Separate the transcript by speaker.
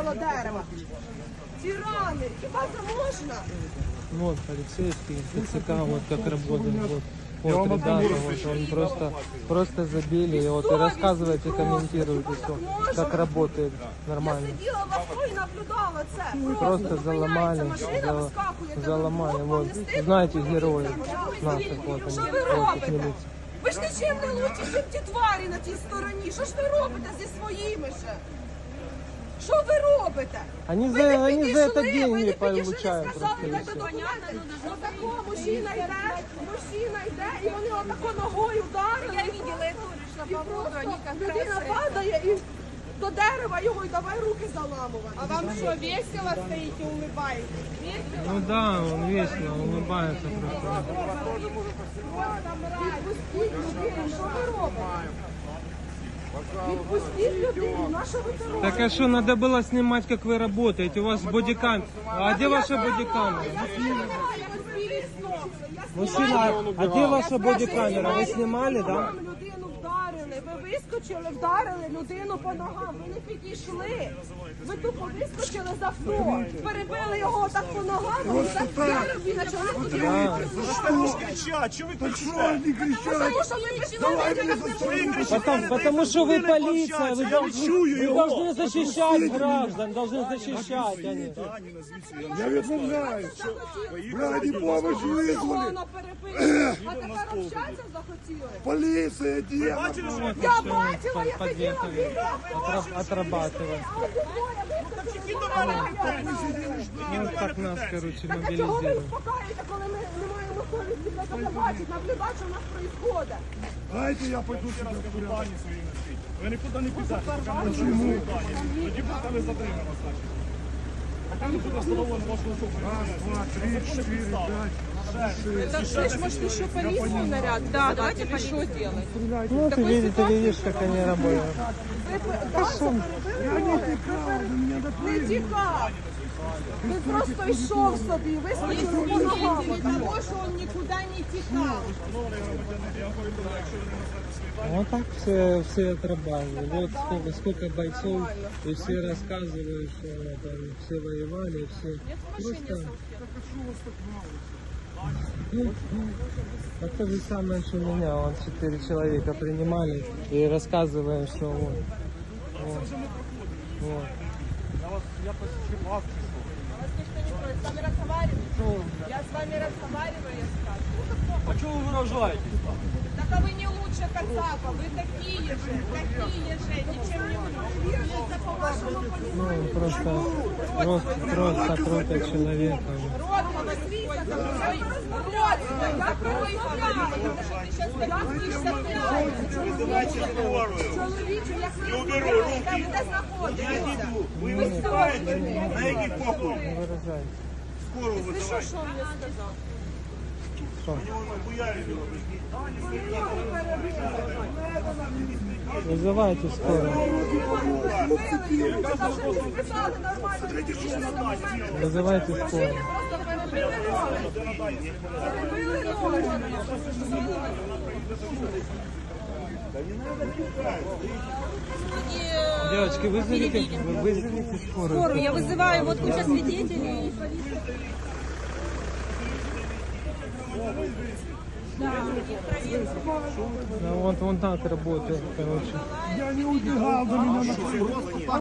Speaker 1: коло дерева. Тирани, хіба це можна?
Speaker 2: Вот полицейские, ТЦК, вот как работают, вот ребята, вот он просто забили, и вот и рассказывайте, комментируйте, что как работает нормально.
Speaker 1: Я сиділа в авто і наблюдала це.
Speaker 2: Просто
Speaker 1: Зупиняється
Speaker 2: заломали,
Speaker 1: машина, вискакує.
Speaker 2: заломали, вот, знаете героев наших, вот
Speaker 1: Що
Speaker 2: они,
Speaker 1: ви
Speaker 2: вот их
Speaker 1: робите?
Speaker 2: милиция.
Speaker 1: Ви ж нічим не лучші, ніж ті тварі на тій стороні. Що ж ви робите зі своїми ще? Що ви робите?
Speaker 2: Они
Speaker 1: Ви не
Speaker 2: за
Speaker 1: підійшли,
Speaker 2: это
Speaker 1: ви
Speaker 2: деньги
Speaker 1: не
Speaker 2: получают
Speaker 1: підійшли,
Speaker 2: просто
Speaker 1: сказали,
Speaker 2: и
Speaker 1: дайте
Speaker 2: все.
Speaker 1: документи. Отако мужчина йде, і вони отако ногою вдарили. Я бачила, я теж йшла по воду, вони якраз... Людина падає і до дерева його, і давай руки заламувати.
Speaker 3: А вам что, весело стоите, улыбаетесь? Весело?
Speaker 2: Ну да, он весело улыбается просто.
Speaker 1: Відпустіть людину, що ви робите? Відпустіть людину, на що ви це робите?
Speaker 2: Так а что, надо было снимать, как вы работаете, у вас бодикамера. А где ваша бодикамера? Мужчина, а где ваша бодикамера? Вы снимали, да?
Speaker 1: Людину вдарили, ви вискочили, вдарили людину по ногам, ви не підійшли. Ви тупо вискочили з авто, перебили його так по ногам, і так вдарив, і почали подивитися.
Speaker 4: Кричать, что вы так
Speaker 5: Не кричать!
Speaker 1: Тому що ви безпредельники.
Speaker 2: Потому что вы полиция, вы
Speaker 4: чую
Speaker 2: вы
Speaker 4: его.
Speaker 2: должны защищать граждан, должны защищать они.
Speaker 5: Я відмовляюсь! Ради помощи вызвали!
Speaker 1: Вона перебила, а тепер общатися захотіли.
Speaker 5: Полиция, где?
Speaker 1: Я бачила, я сиділа біля.
Speaker 2: Отрабатывать. Ну так нас, короче,
Speaker 1: Так а чого ви
Speaker 2: мобилизируют.
Speaker 1: успокаиваєте, коли ми не маємо совісті це бачити, наблюдати, що в нас відбувається?
Speaker 5: Дайте я пойду сюда в порядок.
Speaker 4: Дані свої носить. Ви нікуди не підете, поки не почуєте дані. Тоді будете ви затримано, значить. Поки не буде встановлено вашу особу.
Speaker 5: Раз, два, три, четыре, пять.
Speaker 3: Слышь, может еще полицию наряд? Да, давайте или что делать?
Speaker 2: Ну ты видишь, как они работают.
Speaker 5: Я не текал, вы меня
Speaker 1: Не
Speaker 5: допрыгнули.
Speaker 1: тікав. Він просто йшов собі, вискочили по ногам.
Speaker 3: Того, что он никуда не текал.
Speaker 2: Вот так все отрабатывают. Вот сколько бойцов, и все рассказывают, что там все воевали, все просто... А то же самое, что меня, вот 4 человека принимали и рассказываем, что вот.
Speaker 4: Я посічив вас.
Speaker 3: С вами разговариваю. Я с вами разговариваю, я скажу.
Speaker 4: А чого ви виражаєтесь?
Speaker 3: Так а вы не лучше Кацапа, вы такие же, ничем не лучше.
Speaker 2: Ну, просто трогать человека.
Speaker 3: Рот говорит,
Speaker 1: Я промовляю.
Speaker 4: Визивайте скорую.
Speaker 1: Чоловіче, як ви
Speaker 4: Я уберу
Speaker 1: розмовляєте,
Speaker 4: руки.
Speaker 1: де знаходитеся?
Speaker 4: Ви виступаєте? На який похуй?
Speaker 2: Не выражайте.
Speaker 4: Скору визивайте.
Speaker 3: что он мне сказал?
Speaker 2: Вызывайте скорую. Вызывайте скорую. Девочки, вызовите скорую.
Speaker 6: Я вызываю вот куча свидетелей.
Speaker 2: Да, вот он так работает, короче.
Speaker 5: Я не убегал, до меня